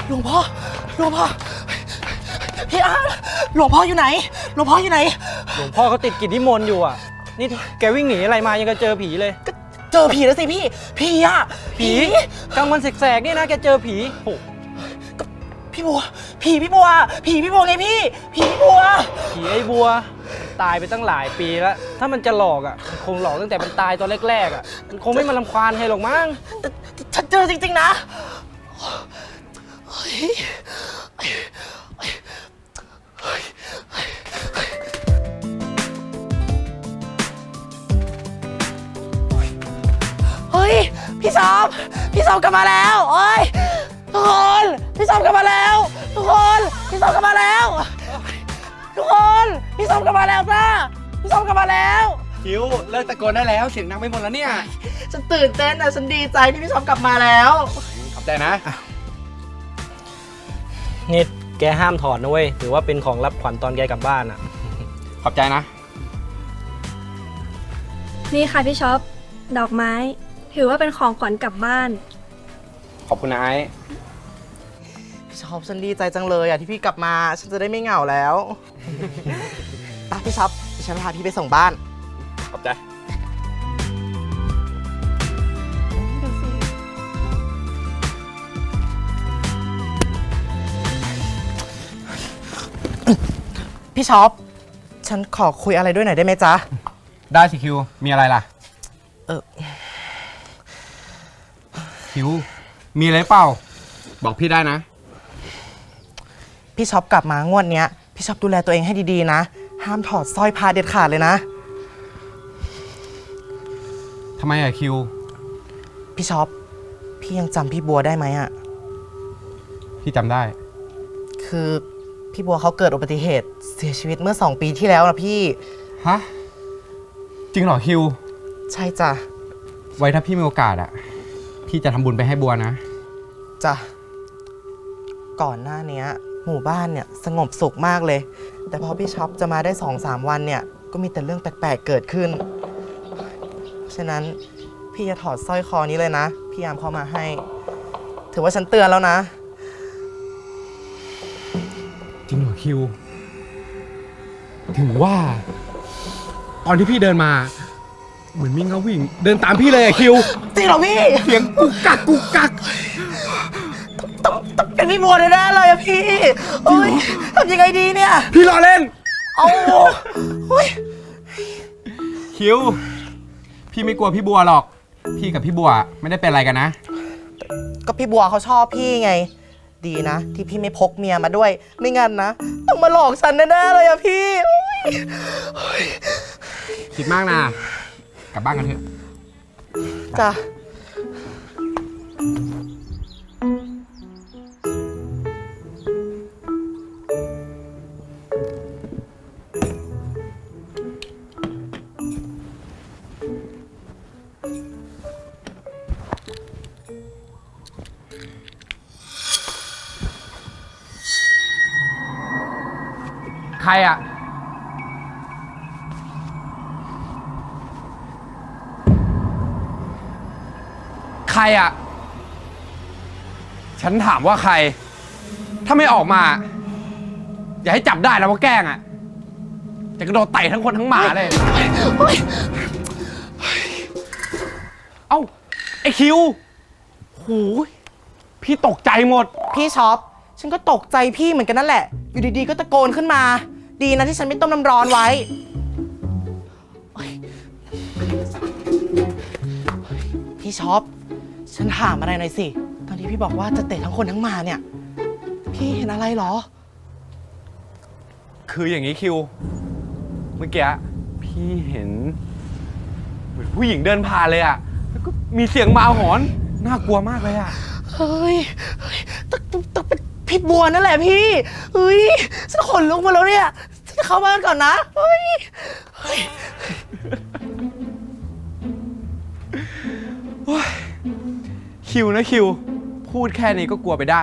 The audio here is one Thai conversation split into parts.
หลวงพ่อพี่อาร์ตหลวงพ่ออยู่ไหนหลวงพ่ออยู่ไหนหลวงพ่อเขาติดกิจนิมนต์อยู่อ่ะนี่แกวิ่งหนีอะไรมายังก็เจอผีเลยก็เจอผีแล้วสิพี่อะผีกลางวันแสกๆนี่นะแกเจอผีโอ้พี่บัวพี่บัวไงพี่พี่บัวผีไอ้บัวตายไปตั้งหลายปีแล้วถ้ามันจะหลอกอ่ะมันคงหลอกตั้งแต่มันตายตอนแรกๆอ่ะมันคงไม่มารำควานให้หรอกมั้งฉันเจอจริงๆนะเฮ้ยพี่ชอบกลับมาแล้วเฮ้ยทุกคนพี่ชอบกลับมาแล้วทุกคนพี่ชอบกลับมาแล้วทุกคนพี่ชอบกลับมาแล้วจ้าพี่ชอบกลับมาแล้วคิวเลิกตะโกนได้แล้วเสียงดังไปหมดแล้วเนี่ยฉันตื่นเต้นนะฉันดีใจที่พี่ชอบกลับมาแล้วขอบใจนะนี่แกห้ามถอดนะเว้ยถือว่าเป็นของรับขวัญตอนแกกลับบ้านอ่ะขอบใจนะนี่ค่ะพี่ช็อปดอกไม้ถือว่าเป็นของขวัญกลับบ้านขอบคุณนะไอ้พี่ช็อปฉันดีใจจังเลยอ่ะที่พี่กลับมาฉันจะได้ไม่เหงาแล้วตาพี่ช็อปฉันพาพี่ไปส่งบ้านขอบใจพี่ช็อปฉันขอคุยอะไรด้วยหน่อยได้ไหมจ๊ะได้สิคิวมีอะไรล่ะคิวมีอะไรเปล่าบอกพี่ได้นะพี่ช็อปกลับมางวดเนี้ยพี่ช็อปดูแลตัวเองให้ดีๆนะห้ามถอดสร้อยพระเด็ดขาดเลยนะทำไมอะคิวพี่ช็อปพี่ยังจำพี่บัวได้ไหมอะพี่จำได้คือพี่บัวเขาเกิดอุบัติเหตุเสียชีวิตเมื่อ2 ปีที่แล้วนะพี่ฮะจริงเหรอคิวใช่จ้ะไว้ถ้าพี่มีโอกาสอะพี่จะทำบุญไปให้บัวนะจ้ะก่อนหน้านี้หมู่บ้านเนี่ยสงบสุขมากเลยแต่พอพี่ช็อปจะมาได้ 2-3 วันเนี่ยก็มีแต่เรื่องแปลกๆเกิดขึ้นฉะนั้นพี่จะถอดสร้อยคอนี้เลยนะพี่ยามเข้ามาให้ถือว่าฉันเตือนแล้วนะจริงเหรอคิวถึงว่าตอนที่พี่เดินมาเหมือนมีเงาวิ่งเดินตามพี่เลยอะคิวจริงเหรอพี่เสียงกุกกักต้องเป็นพี่บัวแน่ๆเลยอะพี่โอ้ยทำยังไงดีเนี่ยพี่รอเล่นเอาโอ้ยคิวพี่ไม่กลัวพี่บัวหรอกพี่กับพี่บัวไม่ได้เป็นอะไรกันนะก็พี่บัวเขาชอบพี่ไงดีนะที่พี่ไม่พกเมียมาด้วยไม่งั้นนะต้องมาหลอกฉันแน่ๆเลยอะพี่คิดมากนะกลับบ้านกันเถอะจ้ะใครอะใครอะฉันถามว่าใครถ้าไม่ออกมาอย่าให้จับได้แล้วว่าแกล้งอะจะกระโดดไต่ทั้งคนทั้งหมาเลยเอ้าไอคิวโหพี่ตกใจหมดพี่ช็อปฉันก็ตกใจพี่เหมือนกันนั่นแหละอยู่ดีๆก็ตะโกนขึ้นมาดีนะที่ฉันไม่ต้มน้ำร้อนไว้พี่ช็อปฉันถามอะไรหน่อยสิตอนที่พี่บอกว่าจะเตะทั้งคนทั้งหมาเนี่ยพี่เห็นอะไรหรอคืออย่างนี้คิวเมื่อกี้พี่เห็นเหมือนผู้หญิงเดินผ่านเลยอะแล้วก็มีเสียงหมาหอนน่ากลัวมากเลยอะเฮ้ยต้องเป็นพี่บัวนั่นแหละพี่เฮ้ยฉันขนลุกมาแล้วเนี่ยฉันจะเข้าบ้านก่อนนะเฮ้ยคิวนะคิวพูดแค่นี้ก็กลัวไปได้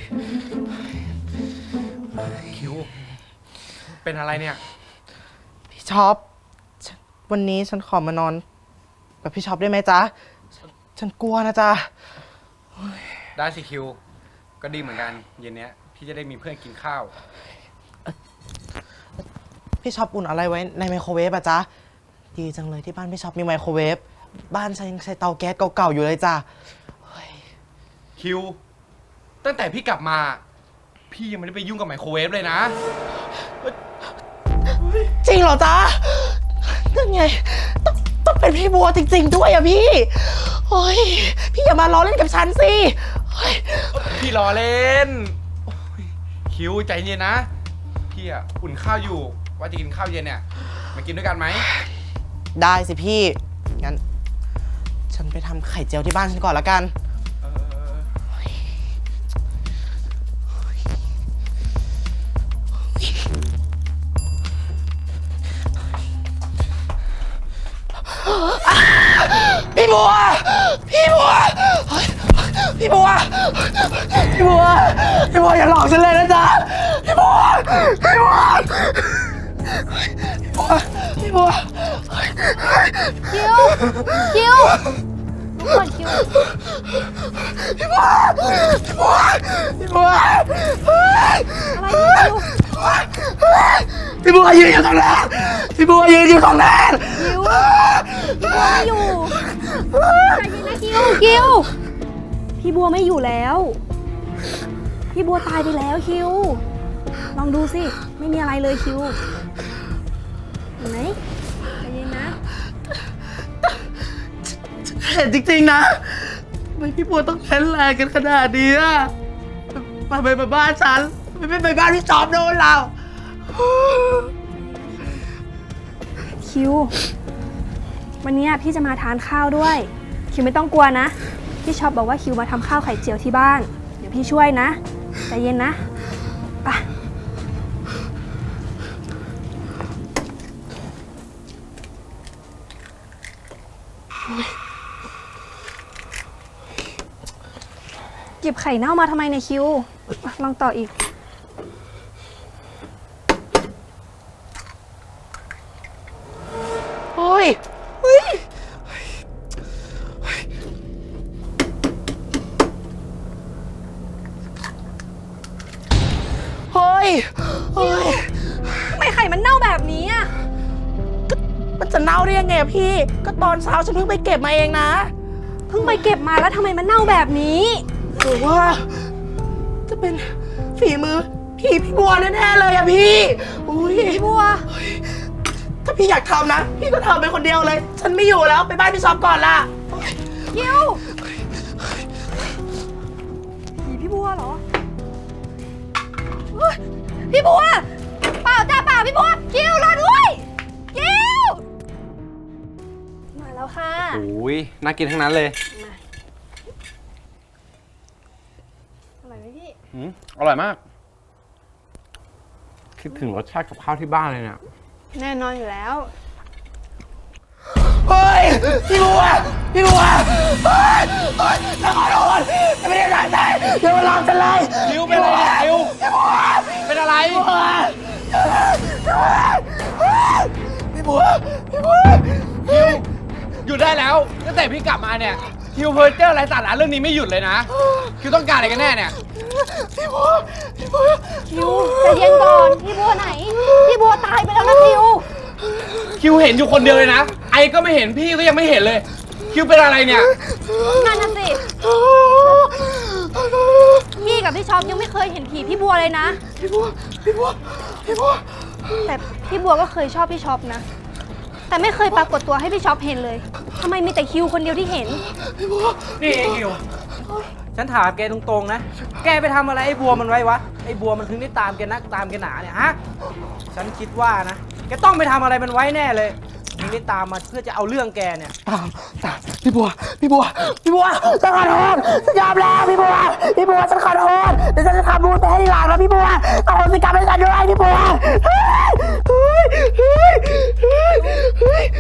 คิวเป็นอะไรเนี่ยพี่ช็อปวันนี้ฉันขอมานอนกับพี่ช็อปได้ไหมจ๊ะฉันกลัวนะจ๊ะได้สิคิว ก็ดีเหมือนกันเย็นเนี้ยพี่จะได้มีเพื่อนกินข้าวพี่ช็อปอุ่นอะไรไว้ในไมโครเวฟอะจ๊ะดีจังเลยที่บ้านพี่ช็อปมีไมโครเวฟบ้านฉันยังใช้เตาแก๊สเก่าๆอยู่เลยจ้ะคิว ตั้งแต่พี่กลับมา พี่ยังไม่ได้ไปยุ่งกับไมโครเวฟเลยนะจริงเหรอจ๊ะนั่นไงต้องเป็นพี่บัวจริงๆด้วยอะพี่โอ้ยพี่อย่ามาล้อเล่นกับฉันสิโอ๊ยพี่รอเล่นโอ้ยคิวใจเย็นนะ พี่อ่ะอุ่นข้าวอยู่ ว่าจะกินข้าวเย็นเนี่ย มากินด้วยกันไหมได้สิพี่งั้นฉันไปทำไข่เจียวที่บ้านฉันก่อนละกันเออพี่บัวพี่บัวเฮ้ยพี่บัวพี่บัวพี่บัวอย่าหลอกฉันเลยนะจ๊ะพี่บัวพี่บัวพี่บัวคิว คิวลุกก่อนคิวพี่บัวพี่บัวพี่บัวอะไรคิวพี่บัวยืนอยู่ตรงนั้นพี่บัวยืนอยู่ตรงนั้นคิวพี่บัวไม่อยู่ใจเย็นนะคิว คิว พี่บัวไม่อยู่แล้ว พี่บัวตายไปแล้วคิว ลองดูสิ ไม่มีอะไรเลยคิว เห็นไหมใจเย็นนะเห็นจริงๆนะทำไมพี่บัวต้องแค้นแรงกันขนาดนี้อะไปบ้านฉันไม่ไปบ้านพี่จอมโดนเราคิว วันนี้พี่จะมาทานข้าวด้วย คิวไม่ต้องกลัวนะ พี่ชอบบอกว่าคิวมาทำข้าวไข่เจียวที่บ้าน เดี๋ยวพี่ช่วยนะใจเย็นนะไป หยิบไข่เน่ามาทำไมเนี่ยคิว ลองต่ออีกเฮ้ยเฮ้ยเฮ้ยเฮ้ยทำไมไข่มันเน่าแบบนี้อ่ะมันจะเน่าได้ยังไงอะพี่ ก็ตอนเช้าฉันเพิ่งไปเก็บมาเองนะเพิ่งไปเก็บมาแล้วทำไมมันเน่าแบบนี้หรือว่า จะเป็นฝีมือพี่บัวแน่ๆเลยอะพี่ อุ้ยพี่บัวถ้าพี่อยากทำนะ พี่ก็ทำไปคนเดียวเลย ฉันไม่อยู่แล้ว ไปบ้านพี่ช็อปก่อนล่ะคิวผีพี่บัวเหรอเฮ้ยพี่บัว เปล่าจ้าเปล่าพี่บัว คิวรอด้วยคิว มาแล้วค่ะโอ้ยน่ากินทั้งนั้นเลยมาอร่อยไหมพี่อร่อยมาก คิดถึงรสชาติกับข้าวที่บ้านเลยเนี่ยแน่นอนอยู่แล้วเฮ้ย พี่บัว พี่บัว เฮ้ยเฮ้ยฉันขอโทษฉันไม่ได้ตั้งใจอย่ามาหลอกฉันเลยคิวเป็นอะไรเนี่ยคิวพี่บัวเป็นอะไรพี่บัว พี่บัว พี่บัวคิวหยุดได้แล้วตั้งแต่พี่กลับมาเนี่ยคิวเพอร์เจอร์อะไรสาระเรื่องนี้ไม่หยุดเลยนะคิวต้องการอะไรกันแน่เนี่ยพี่บัว พี่บัวคิวใจเย็นก่อน พี่บัวไหน พี่บัวตายไปแล้วนะคิวคิวเห็นอยู่คนเดียวเลยนะ ไอก็ไม่เห็นพี่ก็ยังไม่เห็นเลย คิวเป็นอะไรเนี่ยนั่นน่ะสิ พี่กับพี่ช็อปยังไม่เคยเห็นผีพี่บัวเลยนะพี่บัว พี่บัว พี่บัวแต่พี่บัวก็เคยชอบพี่ช็อปนะ แต่ไม่เคยปรากฏตัวให้พี่ช็อปเห็นเลยทำไมมีแต่คิวคนเดียวที่เห็นนี่ไอ้คิว ฉันถามแกตรงๆนะ แกไปทำอะไรไอ้บัวมันไว้วะ ไอ้บัวมันถึงได้ตามแกนักตามแกหนาเนี่ยฮะ ฉันคิดว่านะ แกต้องไปทำอะไรมันไว้แน่เลยถึงได้ตามมาเพื่อจะเอาเรื่องแกเนี่ยตามพี่บัว พี่บัว พี่บัวฉันขอโทษฉันยอมแล้วพี่บัว พี่บัวฉันขอโทษเดี๋ยวฉันจะทำบุญไปให้ทีหลังนะพี่บัวขอโทษสิกรรมให้ฉันด้วยพี่บัวเฮ้ยเฮ้ยเฮ้ยเฮ้ยเฮ้ย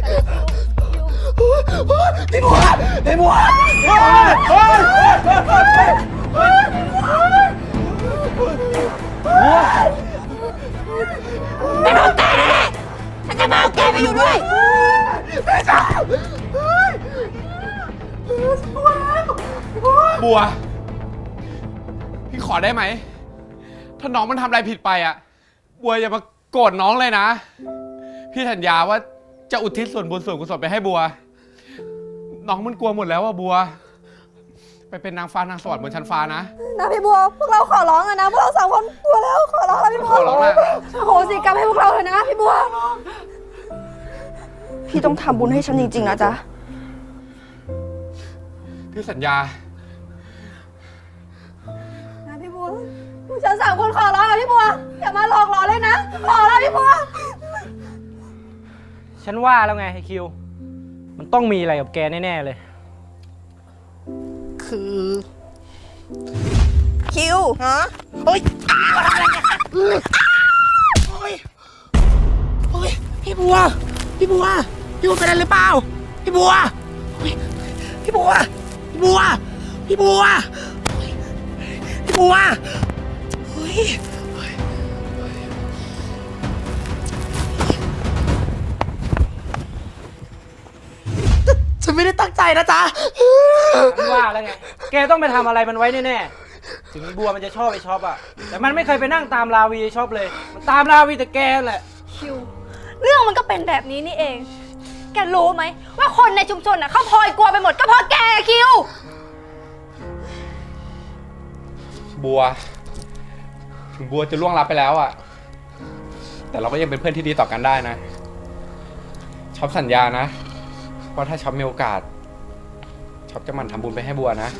พี่บัว พี่บัวเฮ้ยเฮ้ยเฮ้ยพี่บัวแตกฉันจะไปอยู่ด้วยแม่จ๋าบัว พี่ขอได้ไหม ถ้าน้องมันทำอะไรผิดไปอ่ะ บัวอย่ามาโกรธน้องเลยนะ พี่สัญญาว่าจะอุทิศส่วนบุญส่วนกุศลไปให้บัว น้องมันกลัวหมดแล้วอ่ะบัว ไปเป็นนางฟ้านางสวรรค์บนชั้นฟ้านะนะพี่บัว พวกเราขอร้องอะนะ พวกเรา3 คนกลัวแล้ว ขอร้องแล้วพี่บัวขอร้องนะโอ้โหสิกรรมให้พวกเราเถอะนะพี่บัวพี่ต้องทำบุญให้ฉันจริงๆนะจ๊ะพี่สัญญานะพี่บัวพวกฉัน3 คนขอร้องอะพี่บัว อย่ามาหลอกหลอนเลยนะ ขอแล้วพี่บัวฉันว่าแล้วไงไอ้คิว มันต้องมีอะไรกับแกแน่ๆเลยคือคิวฮะเฮ้ยอะไรเนี่ยโอ้ยโอ้ยพี่บัว พี่บัว พี่บัวเป็นอะไรหรือเปล่า พี่บัวโอ้ยพี่บัว พี่บัว พี่บัวโอ้ยพี่บัวโอ้ยฉันไม่ได้ตั้งใจนะจ๊ะฉันว่าแล้วไง แกต้องไปทำอะไรมันไว้แน่ๆ ถึงบัวมันจะชอบไอ้ช็อปอะแต่มันไม่เคยไปนั่งตามราวีไอ้ช็อปเลย มันตามราวีแต่แกนั่นแหละคิว เรื่องมันก็เป็นแบบนี้นี่เอง แกรู้ไหมว่าคนในชุมชนน่ะเขาพลอยกลัวไปหมดก็เพราะแกคิวบัว ถึงบัวจะล่วงลับไปแล้วอ่ะ แต่เราก็ยังเป็นเพื่อนที่ดีต่อกันได้นะ ช็อปสัญญานะว่าถ้าช็อปมีโอกาส ช็อปจะหมั่นทำบุญไปให้บัวนะ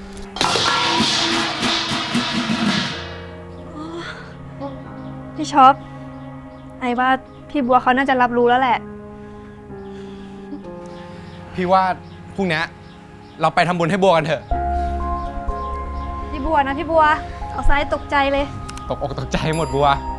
พี่ช็อป ไอ้ว่าพี่บัวเขาน่าจะรับรู้แล้วแหละพี่ว่าพรุ่งนี้เราไปทำบุญให้บัวกันเถอะพี่บัวนะพี่บัว เอาซ้ายตกใจเลยตกอกตกใจหมดบัว